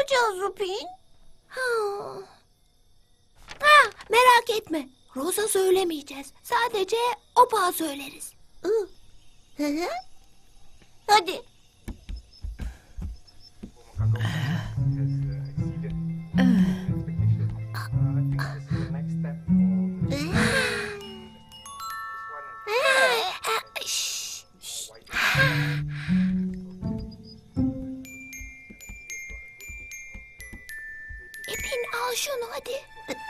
yapacağız Rupin? Merak etme. Rosa söylemeyeceğiz. Sadece Opa'ya söyleriz. Hadi. İpin al şunu hadi.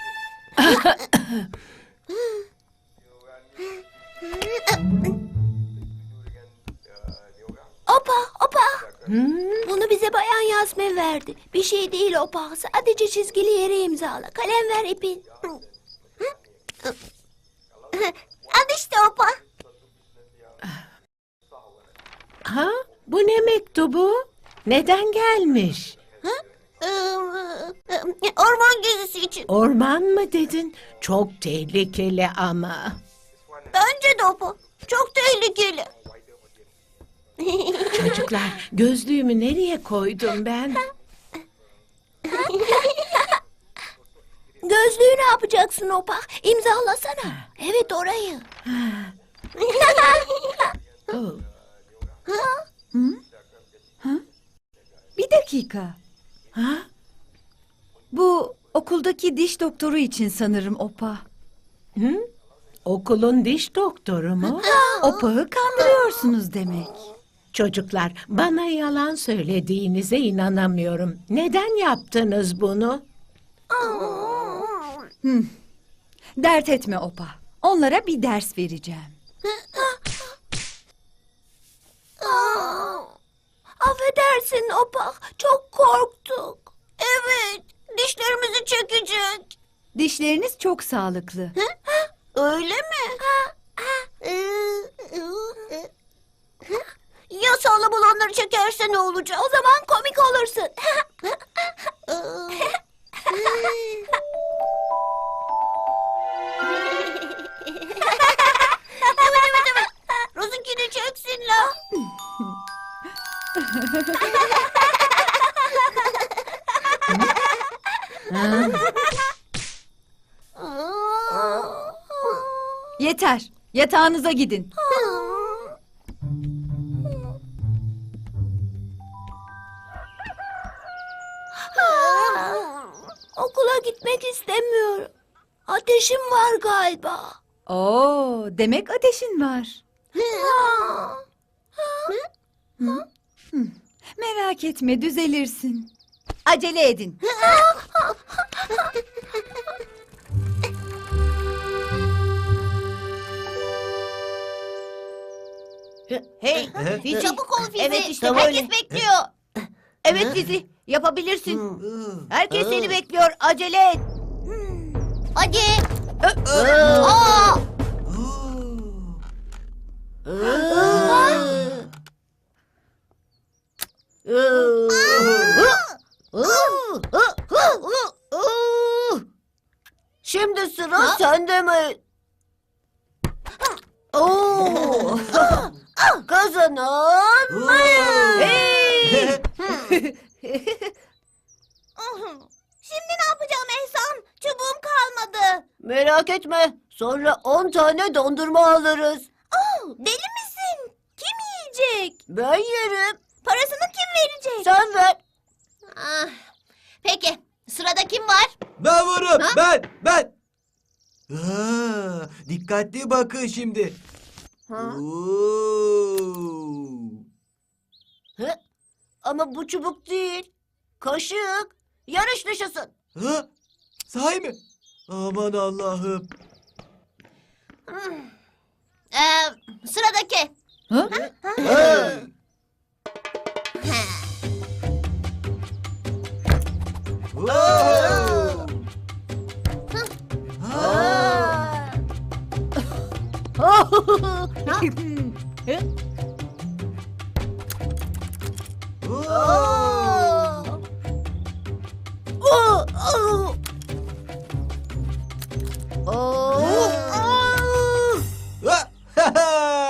Opa. Bunu bize Bayan Yasmin verdi. Bir şey değil Opa. Sadece çizgili yere imzala. Kalem ver İpin. Al işte Opa. Ha? Bu ne mektubu? Neden gelmiş? Orman gezisi için. Orman mı dedin? Çok tehlikeli ama. Bence de Opa. Çok tehlikeli. Çocuklar, gözlüğümü nereye koydum ben? Gözlüğü ne yapacaksın Opa? İmzalasana. Evet orayı. Oh. Bir dakika. Ha? Bu okuldaki diş doktoru için sanırım Opa. Hı? Okulun diş doktoru mu? Opa'yı kandırıyorsunuz demek. Çocuklar, bana yalan söylediğinize inanamıyorum. Neden yaptınız bunu? Dert etme Opa. Onlara bir ders vereceğim. Affedersin Opa. Çok korktuk. Evet. Dişlerimizi çekecek. Dişleriniz çok sağlıklı. Öyle mi? Ya sağlam olanları çekerse ne olacak? O zaman komik olursun. Evet. Rozunkini çeksin la. Yeter. Yatağınıza gidin. Okula gitmek istemiyorum. Ateşim var galiba. Oo, demek ateşin var. Merak etme, düzelirsin. Acele edin. Hey, Fizi. çabuk ol Fizi. Evet, işte Herkes böyle. bekliyor. Evet Fizi, yapabilirsin. Herkes seni bekliyor, acele et. Hadi. Şimdi sıra sende mi? Oo. Kazanan. Hey! Şimdi ne yapacağım Ehsan? Çubuğum kalmadı. Merak etme, sonra 10 tane dondurma alırız. Deli misin? Kim yiyecek? Ben yerim, Parasını kim verecek? sen ver. Peki sırada kim var? Ben varım. Ben. Dikkatli bakın şimdi. Oo. Hı? Ama bu çubuk değil, kaşık. Yarış dışısın. Ha? Sahi mi? Aman Allah'ım. Sıradaki. Ha?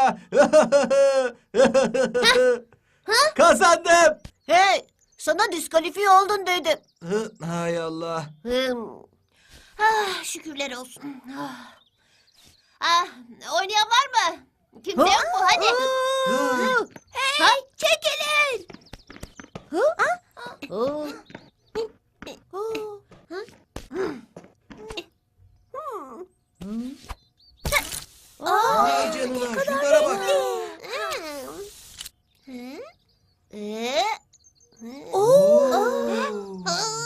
Kazandım. Hey, sana disk diskalifiye oldun dedim. Hay Allah. Şükürler olsun. Oynayan var mı? Kimse yok mu? Hadi. Hey, çekilin. Vay canına, şunlara bak. Oo.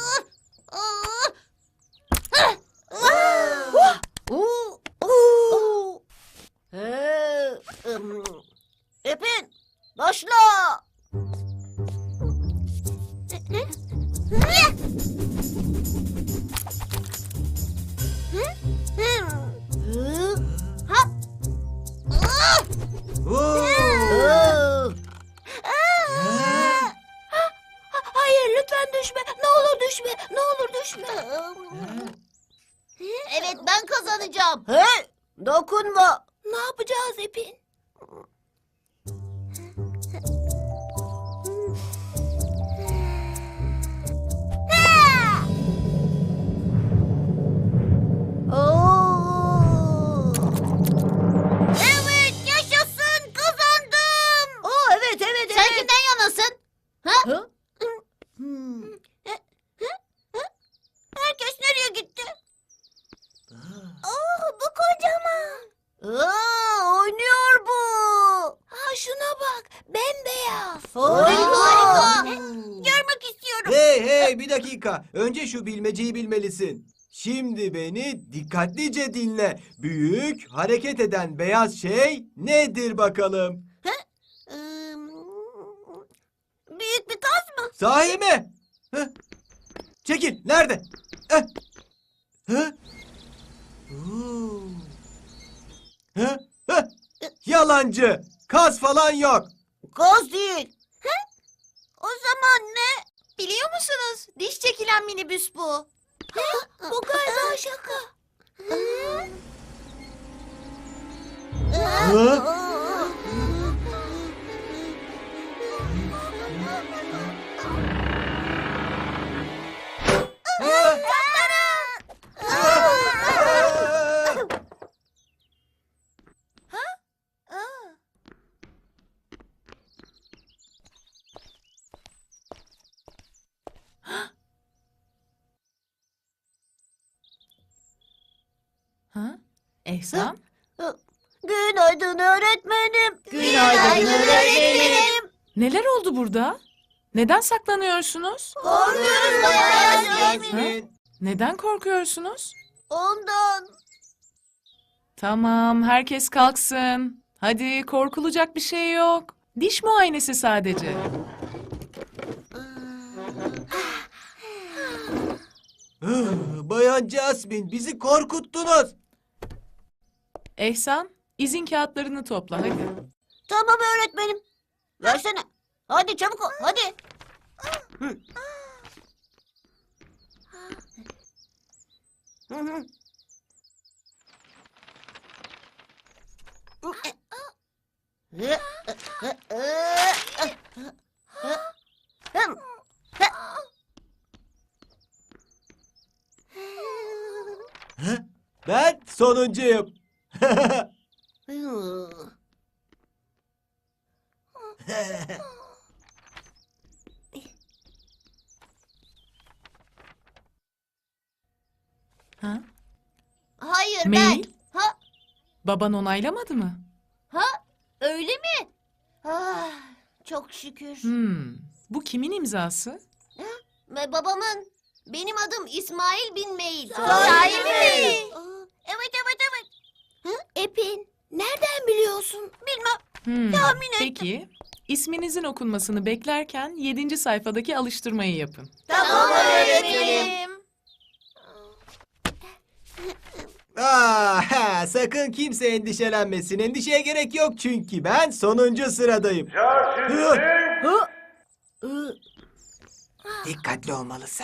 Epin, başla. Oo. Hayır, lütfen düşme. Ne olur düşme. Ne olur düşme. Evet, ben kazanacağım. Hey, dokunma. Ne yapacağız Epin? Evet, yaşasın, kazandım. Evet, evet, Sen evet. kimden yanasın? Hı? Herkes nereye gitti? Bu kocaman. Oynuyor bu. Ha, şuna bak. Bembeyaz. Harika. Görmek istiyorum. Hey bir dakika. Önce şu bilmeceyi bilmelisin. Şimdi beni dikkatlice dinle. Büyük, hareket eden beyaz şey nedir bakalım? Büyük bir kaz mı? Sahi mi? Çekil. Nerede? Heh. Hı? Oo. Hı? Hı? Yalancı. Kaz falan yok. Gaz değil. O zaman ne? Biliyor musunuz? Diş çekilen minibüs bu. Bu galiba şaka. Hı? Ha? Ehsan? Günaydın öğretmenim. Günaydın öğretmenim. Neler oldu burada? Neden saklanıyorsunuz? Korkuyoruz bayağı Yasmin. Neden korkuyorsunuz? Ondan. Tamam, herkes kalksın. Hadi, korkulacak bir şey yok. Diş muayenesi sadece. Bayan Jasmine bizi korkuttunuz. Ehsan, izin kağıtlarını topla hadi. Tamam öğretmenim. Versene. Hadi çabuk ol. Hadi. Ben sonuncuyum. Ha? Hayır Mail? ben. Ha? Baban onaylamadı mı? Öyle mi? Çok şükür. Bu kimin imzası? Ve babamın. Benim adım İsmail bin Mail. Sahi mi? Evet evet. Epin, nereden biliyorsun? Bilmem. Peki, isminizin okunmasını beklerken 7. sayfadaki alıştırmayı yapın. Tamam öğretmenim. Sakın kimse endişelenmesin. Endişeye gerek yok çünkü ben sonuncu sıradayım. Dikkatli olmalısın.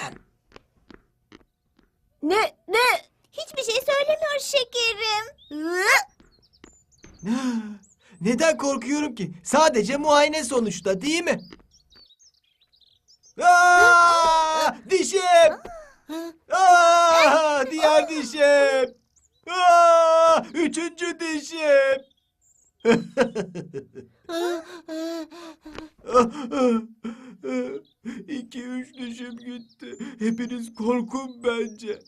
Ne? Hiçbir şey söylemiyor şekerim. Neden korkuyorum ki? Sadece muayene sonuçta değil mi? Aa, dişim! Aa, diğer dişim! Aa, üçüncü dişim! 2-3 dişim gitti. Hepiniz korkun bence.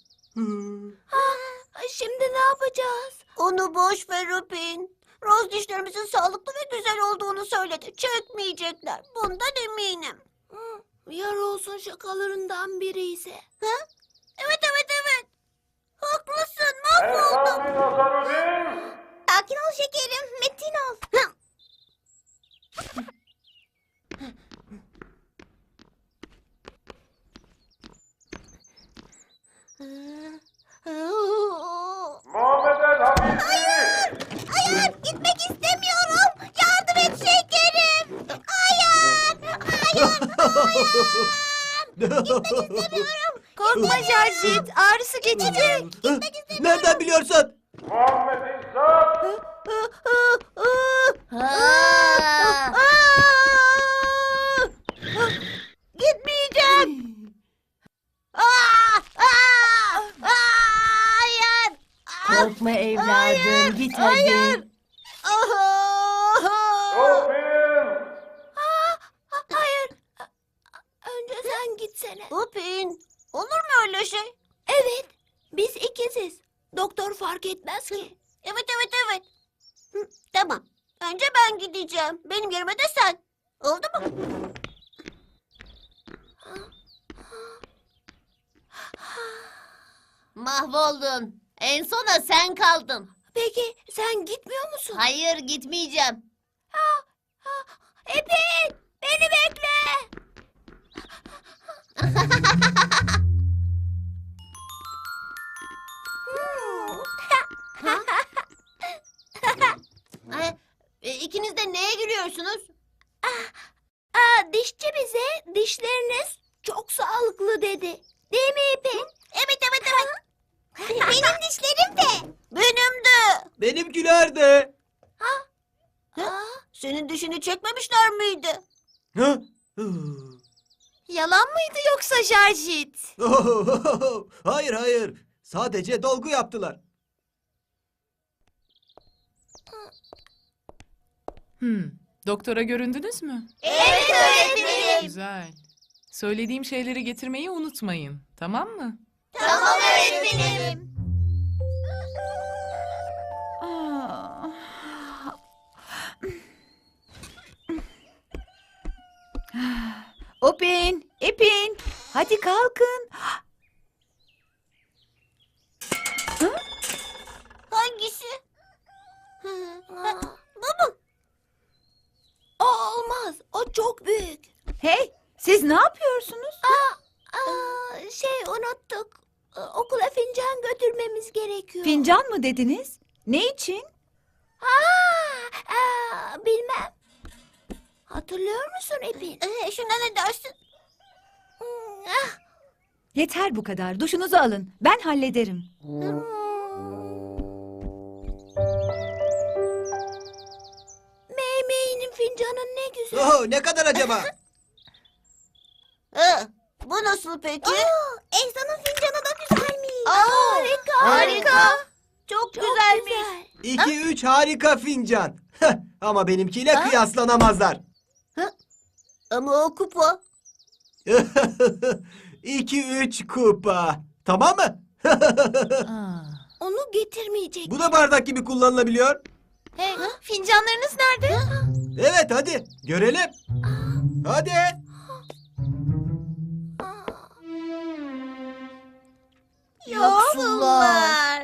Şimdi ne yapacağız? Onu boş ver Upin. Roz dişlerimizin sağlıklı ve güzel olduğunu söyledi. Çökmeyecekler. Bundan eminim. Ya Rose'un şakalarından biri ise? Evet. Haklısın. Mahvoldum. Sakin ol şekerim. Metin ol. Hayır, gitmek istemiyorum. Yardım et şekerim. Korkma Jarjit, ağrısı geçecek. Nereden biliyorsun? Gitmeyeceğim. Hayır. Korkma evladım, git hadi. Hayır. Önce sen gitsene. Upin, olur mu öyle şey? Evet. Biz ikiziz. Doktor fark etmez ki. Evet. Tamam. Önce ben gideceğim. Benim yerime de sen. Oldu mu? Mahvoldun. En sona sen kaldın. Peki sen gitmiyor musun? Hayır, gitmeyeceğim. Epin! Beni bekle! İkiniz de neye gülüyorsunuz? Dişçi bize dişleriniz çok sağlıklı dedi. Değil mi İpek? Evet. Benim dişlerim de. Benim de. Benimkiler de. Senin dişini çekmemişler miydi? Hı? Yalan mıydı yoksa Jarjit? Hayır. Sadece dolgu yaptılar. Doktora göründünüz mü? Evet öğretmenim. Güzel. Söylediğim şeyleri getirmeyi unutmayın. Tamam mı? Tamam öğretmenim. Upin, İpin, hadi kalkın. Hangisi? Bu mu? O olmaz. O çok büyük. Hey, siz ne yapıyorsunuz? Unuttuk. Okula fincan götürmemiz gerekiyor. Fincan mı dediniz? Ne için? Bilmem. Hatırlıyor musun İpin? Şuna ne dersin? Yeter bu kadar. Duşunuzu alın. Ben hallederim. Meymeğinin fincanı ne güzel. Ne kadar acaba? Bu nasıl peki? Ehsan'ın fincanı da güzelmiş. Harika. Çok Çok güzelmiş. güzel. 2-3 harika fincan. Ama benimkiyle kıyaslanamazlar. Ama o kupa. 2-3 kupa. Tamam mı? Onu getirmeyecek. Bu da bardak gibi kullanılabiliyor. Hey, fincanlarınız nerede? Evet hadi görelim. Hadi. Yoksullar.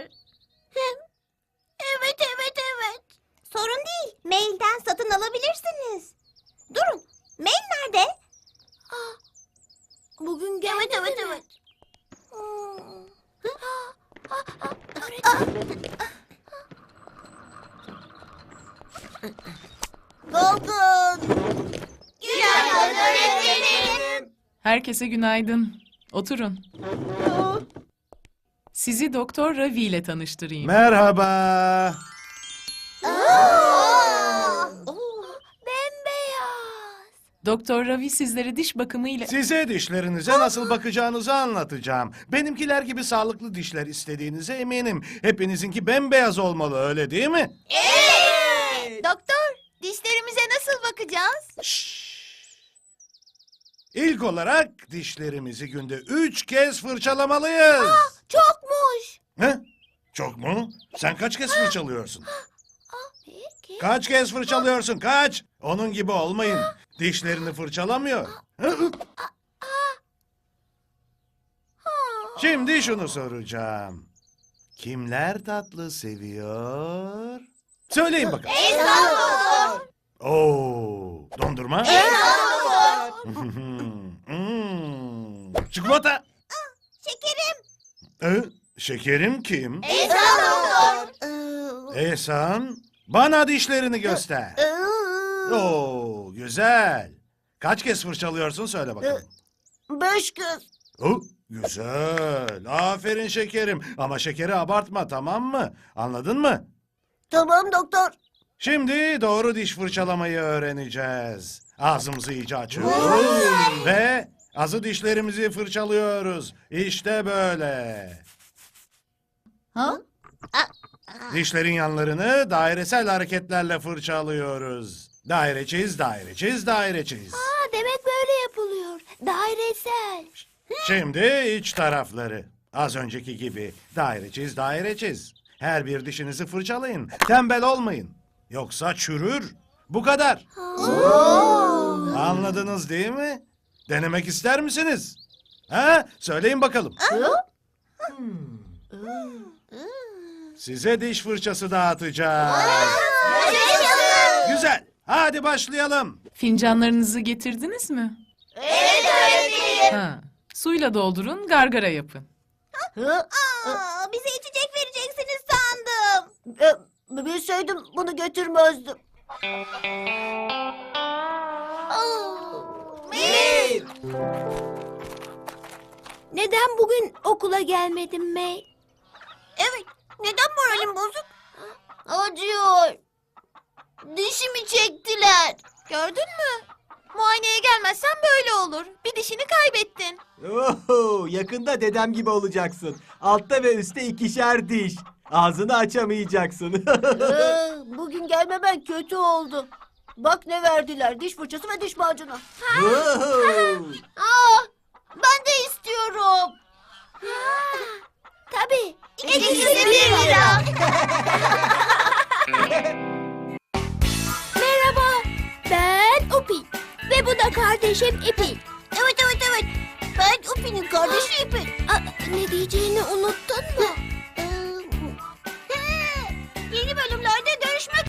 Evet. Sorun değil. Mailden satın alabilirsiniz. Durun. Mail nerede? Bugün geldi Evet. Golgun. Günaydın öğretmenim. Herkese günaydın. Oturun. Sizi Doktor Ravi ile tanıştırayım. Merhaba. Bembeyaz. Doktor Ravi sizlere diş bakımıyla... Size dişlerinize nasıl bakacağınızı anlatacağım. Benimkiler gibi sağlıklı dişler istediğinize eminim. Hepinizinki bembeyaz olmalı, öyle değil mi? Doktor, dişlerimize nasıl bakacağız? İlk olarak dişlerimizi günde 3 kez fırçalamalıyız. Çokmuş. He? Çok mu? Sen kaç kez fırçalıyorsun? Peki. Kaç kez fırçalıyorsun? Kaç? Onun gibi olmayın. Dişlerini fırçalamıyor. Şimdi şunu soracağım. Kimler tatlı seviyor? Söyleyin bakalım. Oo, dondurma? Çikolata? Şekerim. Şekerim kim? Doktor. Ehsan, bana dişlerini göster. Oo, güzel. Kaç kez fırçalıyorsun söyle bakalım. 5 kez. Oh, güzel. Aferin şekerim. Ama şekeri abartma, tamam mı? Anladın mı? Tamam doktor. Şimdi doğru diş fırçalamayı öğreneceğiz. Ağzımızı iyice açıyoruz. Ve azı dişlerimizi fırçalıyoruz. İşte böyle. Ha? Dişlerin yanlarını dairesel hareketlerle fırçalıyoruz. Daire çiz, daire çiz, daire çiz. Demek böyle yapılıyor. Dairesel. Şimdi iç tarafları. Az önceki gibi daire çiz, daire çiz. Her bir dişinizi fırçalayın. Tembel olmayın. Yoksa çürür. Bu kadar. Anladınız değil mi? Denemek ister misiniz? Ha? Söyleyin bakalım. Size diş fırçası dağıtacağız. Güzel. Hadi başlayalım. Fincanlarınızı getirdiniz mi? Evet öğretmenim. Ha. Suyla doldurun, gargara yapın. Bize içecek vereceksiniz sandım. Bilseydim bunu götürmezdim. Neden bugün okula gelmedin May? Evet. Neden moralim bozuk? Acıyor. Dişimi çektiler. Gördün mü? Muayeneye gelmezsen böyle olur. Bir dişini kaybettin. Oho, yakında dedem gibi olacaksın. Altta ve üstte 2'şer diş. Ağzını açamayacaksın. Bugün gelmemen kötü oldu. Bak ne verdiler. Diş fırçası ve diş macunu. Oho. Ben de istiyorum. Tabii. İkisi 1 lira. Merhaba. Ben Upin. Ve bu da kardeşim İpin. Evet. Ben Upi'nin kardeşi İpek. Ne diyeceğini unuttun mu?